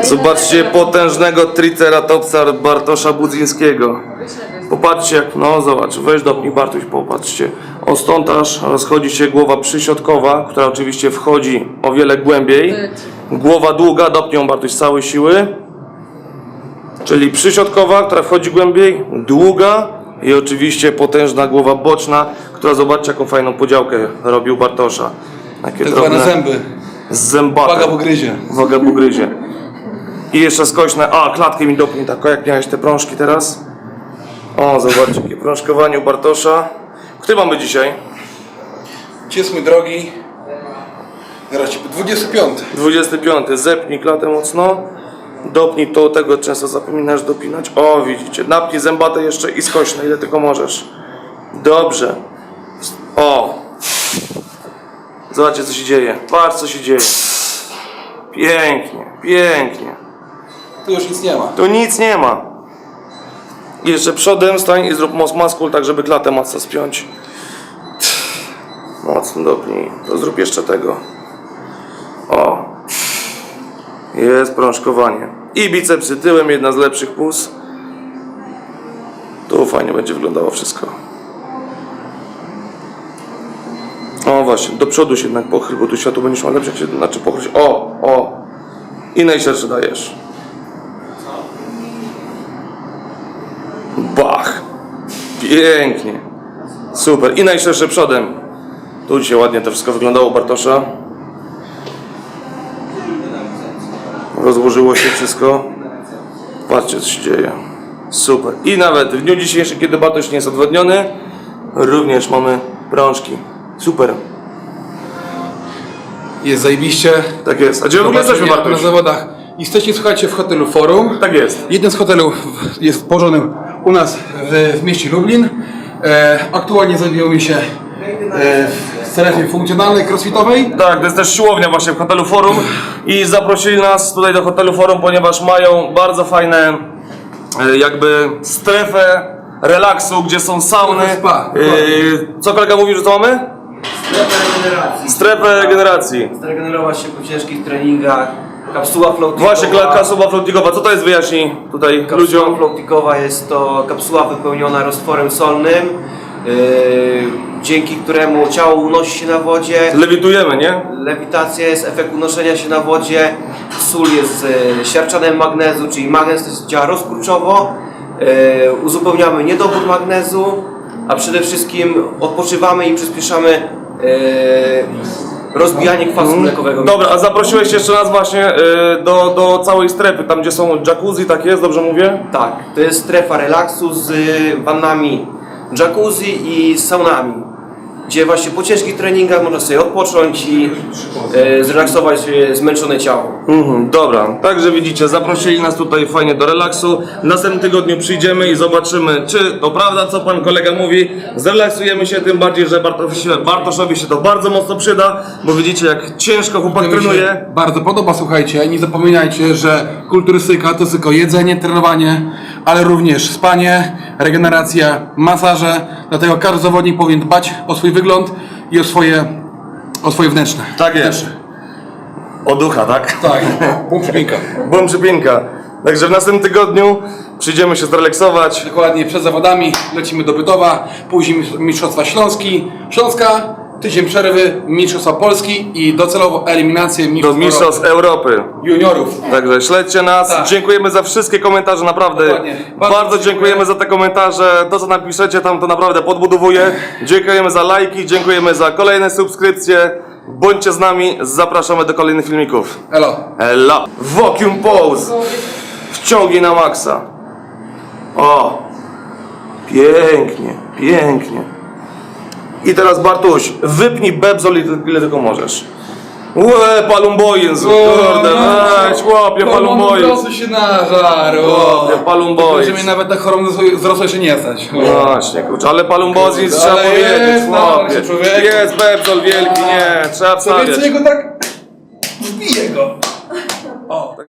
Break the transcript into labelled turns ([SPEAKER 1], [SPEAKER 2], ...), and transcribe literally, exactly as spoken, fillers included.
[SPEAKER 1] Zobaczcie potężnego triceratopsa Bartosza Budzyńskiego. Popatrzcie jak, no zobacz, weź dopnij Bartuś, popatrzcie. O stąd aż rozchodzi się głowa przyśrodkowa, która oczywiście wchodzi o wiele głębiej. Głowa długa, dopnij ją Bartuś z całej siły. Czyli przyśrodkowa, która wchodzi głębiej, długa i oczywiście potężna głowa boczna, która zobaczcie jaką fajną podziałkę robił Bartosza. Takie
[SPEAKER 2] tak zwane zęby.
[SPEAKER 1] Z zębatem.
[SPEAKER 2] Waga pogryzie.
[SPEAKER 1] Waga pogryzie. I jeszcze skośne. A, klatkę mi dopnij tak, jak miałeś te prążki teraz. O, zobaczcie, jakie prążkowanie u Bartosza. Który mamy dzisiaj?
[SPEAKER 2] Ci jest mój drogi. Zaraz ci dwudziesty piąty.
[SPEAKER 1] dwudziesty piąty. Zepnij klatę mocno. Dopnij to, tego często zapominasz dopinać. O, widzicie. Napnij zębate jeszcze i skośne, ile tylko możesz. Dobrze. O. Zobaczcie, co się dzieje. Patrz, co się dzieje. Pięknie, pięknie.
[SPEAKER 2] Tu już nic nie ma.
[SPEAKER 1] Tu nic nie ma. I jeszcze przodem stań i zrób most maskul, tak żeby klatę mocno spiąć. Mocno dopnij. To zrób jeszcze tego. O. Jest prążkowanie. I bicepsy tyłem, jedna z lepszych puz. Tu fajnie będzie wyglądało wszystko. O właśnie, do przodu się jednak pochyl, bo tu światło będziesz miał lepsze, jak się, znaczy pochyl się. O, o. I najszerszy dajesz. Bach. Pięknie. Super. I najszerszy przodem. Tu dzisiaj ładnie to wszystko wyglądało u Bartosza. Rozłożyło się wszystko. Patrzcie, co się dzieje. Super. I nawet w dniu dzisiejszym, kiedy Bartosz nie jest odwodniony, również mamy prążki. Super.
[SPEAKER 2] Jest zajebiście.
[SPEAKER 1] Tak jest. A gdzie w ogóle jesteśmy,
[SPEAKER 2] Na
[SPEAKER 1] Bartosz?
[SPEAKER 2] zawodach. Jesteście, słuchajcie, w hotelu Forum.
[SPEAKER 1] Tak jest.
[SPEAKER 2] Jeden z hotelów jest położony u nas w, w mieście Lublin. E, aktualnie znajdujemy się e, w strefie funkcjonalnej, crossfitowej.
[SPEAKER 1] Tak, to jest też siłownia właśnie w hotelu Forum i zaprosili nas tutaj do hotelu Forum, ponieważ mają bardzo fajne e, jakby strefę relaksu, gdzie są sauny.
[SPEAKER 2] Spa.
[SPEAKER 1] E, co kolega mówił, że co mamy?
[SPEAKER 3] Strefę regeneracji.
[SPEAKER 1] Strefę regeneracji.
[SPEAKER 3] Zregenerować się po ciężkich treningach. Kapsuła floatingowa.
[SPEAKER 1] Właśnie, kapsuła floatingowa. Co to jest, wyjaśnij tutaj
[SPEAKER 3] Kapsuła
[SPEAKER 1] ludziom.
[SPEAKER 3] floatingowa jest to kapsuła wypełniona roztworem solnym, yy, dzięki któremu ciało unosi się na wodzie.
[SPEAKER 1] Lewitujemy, nie?
[SPEAKER 3] Lewitacja jest efekt unoszenia się na wodzie. Sól jest yy, siarczanem magnezu, czyli magnez też działa rozkurczowo. Yy, uzupełniamy niedobór magnezu, a przede wszystkim odpoczywamy i przyspieszamy yy, rozbijanie kwasu mlekowego.
[SPEAKER 1] Dobra, a zaprosiłeś jeszcze nas właśnie y, do, do całej strefy, tam gdzie są jacuzzi, tak jest, dobrze mówię?
[SPEAKER 3] Tak, to jest strefa relaksu z wannami jacuzzi i z saunami, gdzie właśnie po ciężkich treningach można sobie odpocząć i e, zrelaksować e, zmęczone ciało.
[SPEAKER 1] Mhm, dobra, także widzicie, zaprosili nas tutaj fajnie do relaksu. W następnym tygodniu przyjdziemy i zobaczymy, czy to prawda, co pan kolega mówi. Zrelaksujemy się, tym bardziej, że Bartoszowi, Bartoszowi się to bardzo mocno przyda, bo widzicie, jak ciężko chłopak
[SPEAKER 2] Mi się
[SPEAKER 1] trenuje.
[SPEAKER 2] bardzo podoba, słuchajcie. Nie zapominajcie, że kulturystyka to tylko jedzenie, trenowanie, ale również spanie, regeneracja, masaże. Dlatego każdy zawodnik powinien dbać o swój wygląd i o swoje, o swoje wnętrzne.
[SPEAKER 1] Tak jest. O ducha, tak?
[SPEAKER 2] Tak, bum przypinka.
[SPEAKER 1] Bum przypinka. Także w następnym tygodniu przyjdziemy się zrelaksować.
[SPEAKER 2] Dokładnie przed zawodami lecimy do Bytowa, później Mistrzostwa Śląski, Śląska, tydzień przerwy, Mistrzostwa Polski i docelowo eliminację
[SPEAKER 1] Do
[SPEAKER 2] Mistrzostw
[SPEAKER 1] Mistrzostw Europy.
[SPEAKER 2] Juniorów.
[SPEAKER 1] Także śledźcie nas.
[SPEAKER 2] Tak.
[SPEAKER 1] Dziękujemy za wszystkie komentarze, naprawdę.
[SPEAKER 2] Dokładnie.
[SPEAKER 1] Bardzo,
[SPEAKER 2] Bardzo
[SPEAKER 1] dziękujemy
[SPEAKER 2] dziękuję.
[SPEAKER 1] za te komentarze. To, co napiszecie tam, to naprawdę podbudowuje. Dziękujemy za lajki, dziękujemy za kolejne subskrypcje. Bądźcie z nami, zapraszamy do kolejnych filmików.
[SPEAKER 2] Elo.
[SPEAKER 1] Ela. Vacuum pose. Wciągi na maksa. O. Pięknie, pięknie. I teraz Bartuś, wypnij bebzol ile tylko możesz. Łe, palumbojen, kurde, weź, łapie palumbojen.
[SPEAKER 2] Proszę się nażar.
[SPEAKER 1] Łapie palumbojen.
[SPEAKER 2] Że mnie nawet tak chorą wzrosło jeszcze nie stać.
[SPEAKER 1] Właśnie, kurczę, ale palumbozin trzeba
[SPEAKER 2] ale
[SPEAKER 1] powiedzieć,
[SPEAKER 2] jest, no,
[SPEAKER 1] łapie.
[SPEAKER 2] człowieku.
[SPEAKER 1] Jest bebzol wielki, nie, trzeba
[SPEAKER 2] Co
[SPEAKER 1] wstawiać.
[SPEAKER 2] więcej go tak... Zbiję go. O.